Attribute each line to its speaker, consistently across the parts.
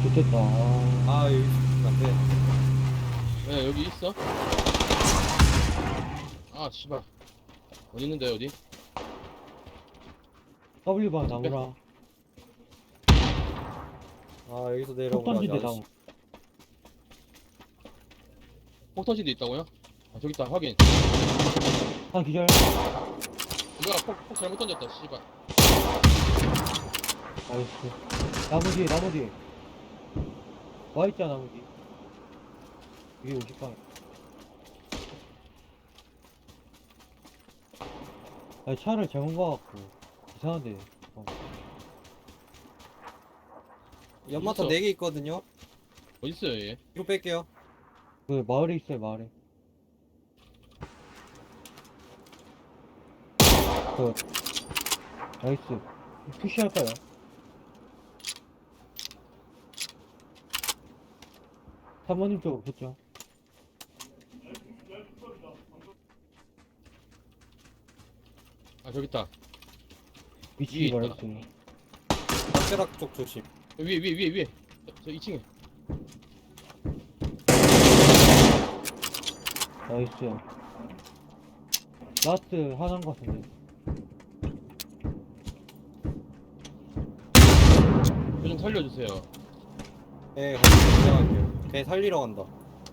Speaker 1: 좋겠다.
Speaker 2: 아 여기 안돼.
Speaker 3: 네, 여기 있어? 아, 씨발. 어디 있는데, 어디?
Speaker 1: W방 나무라.
Speaker 2: 아 여기서
Speaker 1: 폭
Speaker 2: 내려오라.
Speaker 1: 던진대 나무.
Speaker 3: 폭 터지도 있다고요? 아, 저기 있다, 확인.
Speaker 1: 한 기절.
Speaker 3: 뭐야, 폭 잘못 던졌다, 씨발.
Speaker 1: 나이스. 나무 뒤에, 나무 뒤에. 와있잖아, 나무 뒤에. 위에 50방. 아니, 차를 잘못 봐갖고. 이상한데.
Speaker 2: 연마탄
Speaker 3: 있어.
Speaker 2: 4개 있거든요.
Speaker 3: 어딨어요, 얘?
Speaker 2: 이거 뺄게요.
Speaker 1: 그, 마을에 있어요, 마을에. 그, 나이스. 푸시할까요? 사모님 쪽으로 붙죠.
Speaker 3: 아, 저기 있다.
Speaker 1: 위치
Speaker 3: 위에 있다.
Speaker 1: 말했어요.
Speaker 2: 담벼락 쪽 조심.
Speaker 3: 위에. 저 2층에.
Speaker 1: 나이스. 라스트 하나인 것 같은데.
Speaker 3: 저 좀 살려주세요.
Speaker 2: 네 거기 긴장할게요. 걔 살리러 간다.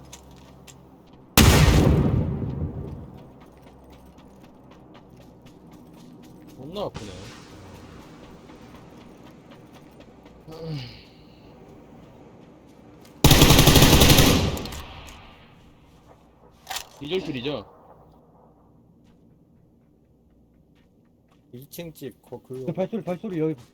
Speaker 3: 겁나 아프네. 디젤줄이죠?
Speaker 2: 2층 집
Speaker 1: 그
Speaker 2: 글로.
Speaker 1: 발소리 여기